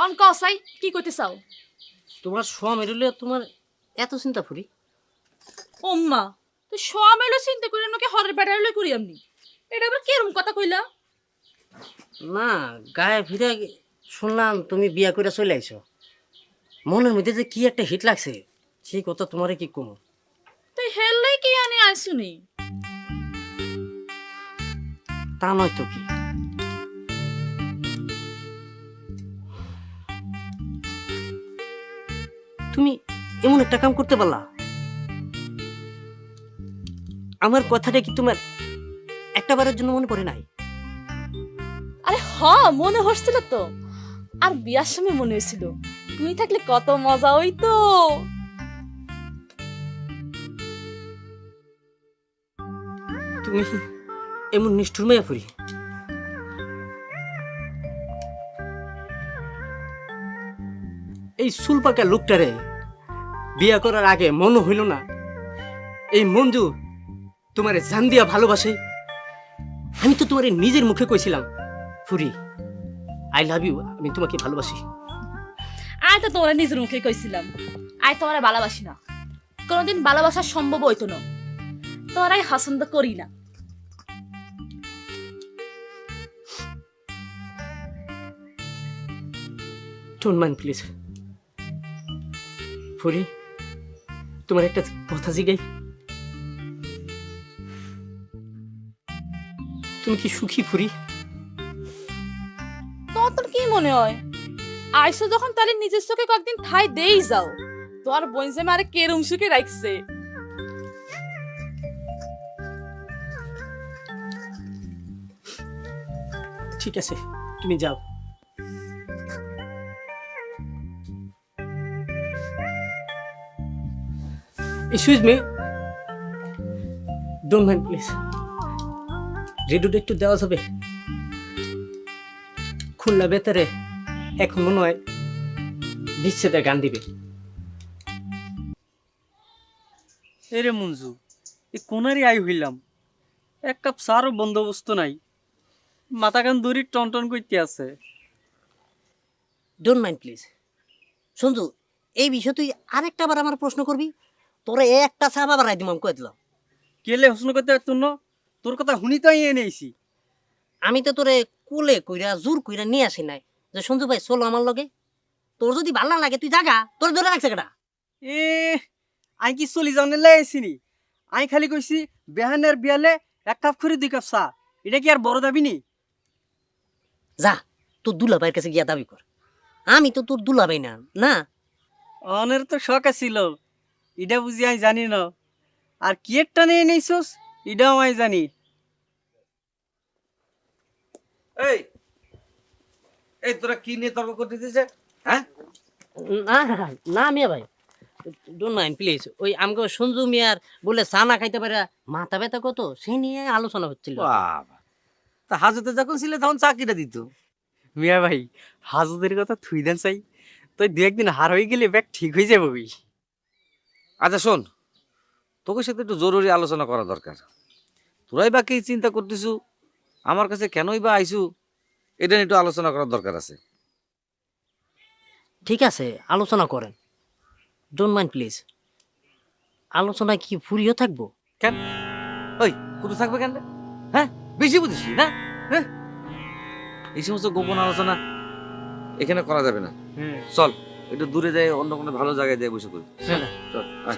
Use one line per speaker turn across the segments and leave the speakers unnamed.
On সাই কি কইতে চাও?
তোমার সোয়া মেরুলে তোমার এত চিন্তা ফুরি?
ওম্মা তো সমেলো চিন্তা করি আমাকে হরের বেড়ালে করি আমি। এটা আবার কিরম কথা কইলা?
না, গায়ে ফিরে শুনলাম তুমি বিয়া করে চলে আইছো। মনের মধ্যে যে কি একটা হিট লাগছে, সেই কথা তোমারে কি কম।
তুই হেললাই কি আনি আইসুনি?
তা নয় তো কি, তুমি এমন একটা কাম করতে পারলা। আমার কথাটা কি তোমার একটা বারের জন্য মনে পড়ে নাই?
আরে মনে হচ্ছিল তো। আর বিয়ার সময় মনে হয়েছিল তুমি থাকলে কত মজা হইতো।
তুমি এমন নিষ্ঠুর মায়া ফুরি? এই চুল পাকা লোকটারে বিয়া করার আগে মনে হইল না এই মঞ্জু তোমারে জান দিয়া ভালোবাসে? আমি তো তোমার নিজের মুখে কইছিলাম, ফুরি আই লাভ ইউ, আমি তোমাকে ভালোবাসি।
আয় তো তোমার নিজের মুখে কইছিলাম আয় তোমার ভালোবাসি না, কোনোদিন ভালোবাসা সম্ভব হইতো না, তোরাই পছন্দ করি না।
Don't mind please. ফুরি তোমার একটা কথা জিগাই, তুমি কি সুখী ফুরি?
তোর কি মনে হয় আইসো যখন তাহলে নিজের চোখে কয়েকদিন ঠাই দেই যাও। তোর বোন যে মারে কেরম সুখে রাখছে।
ঠিক আছে, তুমি যাও। Excuse me, don't mind please. রেডিওটা একটু দেওয়া যাবে? খুলনা বেতারে এখন মনে হয় বিচ্ছেদের গান দিবে।
এরে মঞ্জু, এ কোনারই আই হইলাম, এক কাপ চারও বন্দোবস্ত নাই, মাথা কান দড়ি টন টন করতে আছে।
Don't mind please. সঞ্জু, এই বিষয়ে তুই আরেকটা বার আমার প্রশ্ন করবি, তোরা একটা চাপা বাড়াই দিম আমি কয়ে দিলাম।
কেলে হোসন করতে পারতুন না? তোর কথা শুনি তো আমি এনেছি।
আমি তো তোরে কোলে কইরা জোর কইরা নিয়ে আসি নাই যে সঞ্জু ভাই চলো আমার লগে। তোর যদি ভালো না লাগে তুই জাগা, তোর ধরে রাখছে কেটা?
এ আই কি চলি যাও লাই আইসিনি? আই খালি কইছি বেহানের বিয়ালে এক কাপ করে 2 কাপ চা, এটা কি আর বড় দাবি নি?
যা তোর দুলাভাইয়ের কাছে গিয়া দাবি কর, আমি তো তোর দুলাভাই না। না
অনের তো শখ আছিল, এটা বুঝি আমি জানি না। আর কি একটা নিয়ে নেইছস এটাও আমি জানি।
এই এই তোরা কি নিয়ে তর্ক করতেছিস? হ্যাঁ,
না না মিয়া ভাই, ডোন্ট মাইন্ড প্লিজ। ওই আমাকে সঞ্জু মিয়ার বলে চা না খাইতে পারে মাথা ব্যথা কত, সেই নিয়ে আলোচনা হচ্ছিল।
বাবা, তা হাজতে যখন ছিলে তখন চাকরিটা দিত।
মিয়া ভাই, হাজুদের কথা থুই দেন চাই, তুই 2-1 দিন হার হয়ে গেলে ব্যাগ ঠিক হয়ে যাবে। ওই
আচ্ছা শোন, তোকে সাথে একটু জরুরি আলোচনা করা দরকার। তোরাই বা কি চিন্তা করতেছু, আমার কাছে কেনই বা আইসু, এটা নিয়ে একটু আলোচনা করার দরকার আছে।
ঠিক আছে, আলোচনা করেন, ডোন্ট মাইন্ড প্লিজ। আলোচনায় কি ফুরিও থাকবো?
কেন ওই কোথাও থাকবে কেন? হ্যাঁ, বেশি বুঝিস না? হ্যাঁ, এই সমস্ত গোপন আলোচনা এখানে করা যাবে না। চল একটু দূরে যাই, অন্য কোনো ভালো জায়গায় যাই বসে করি।
চলে।
চল আয়।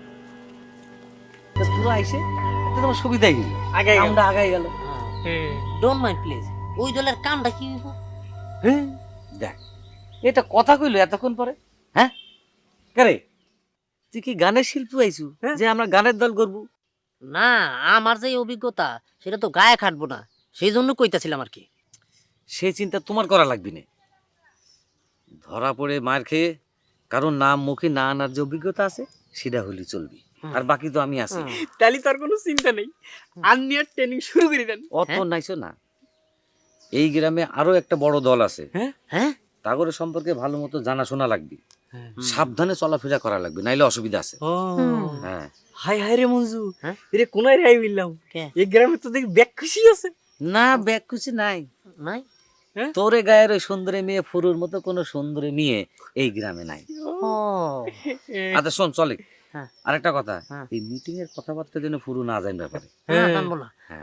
তা তোরা আইসে এটা তোমার সুবিধাই হইল।
আগে
আমরা আগাই গেল। ডোন্ট মাইন্ড প্লিজ, ওই দলের কামটা কি হইব?
হ্যাঁ দেখ, এটা কথা কইলো এতক্ষণ পরে। হ্যাঁ কারে, তুই কি গানের শিল্পী আইছু যে আমরা গানের দল করবো?
না, আমার যে অভিজ্ঞতা সেটা তো গায়ে খাটবো না, সেই জন্য কইতাছিলাম আর কি।
সেই চিন্তা তোমার করা লাগবে না। ধরা পড়ে মার খেয়ে কারণ নাম মুখে না আনার যে অভিজ্ঞতা আছে সেটা হলি চলবি, আর বাকি তো আমি আছি।
তাহলে তার কোনো চিন্তা নেই, আপনি আর ট্রেনিং শুরু করে দেন।
অত নাইছো না, এই গ্রামে আরো একটা বড় দল আছে।
হ্যাঁ,
তাগরের সম্পর্কে ভালো মতো জানাশোনা লাগবে, সাবধানে চলাফেরা করা লাগবে, নাইলে অসুবিধা আছে।
ও
হ্যাঁ,
হাই হাই রে মঞ্জু,
হ্যাঁ?
এরে কোনায় রাই বললাম,
কে?
এই গ্রামে তো দেখি ব্যাগ খুশি আছে।
না ব্যাগ খুশি নাই,
নাই হ্যাঁ?
তোরে গায়ের ওই সুন্দরী মেয়ে ফুরুর মতো কোনো সুন্দরী মেয়ে এই গ্রামে নাই।
ও
আচ্ছা শোন চলে,
হ্যাঁ।
আরেকটা কথা,
হ্যাঁ।
এই মিটিং এর কথাবার্তা যেন ফুরু না যায় ব্যাপারে।
হ্যাঁ জানবো না।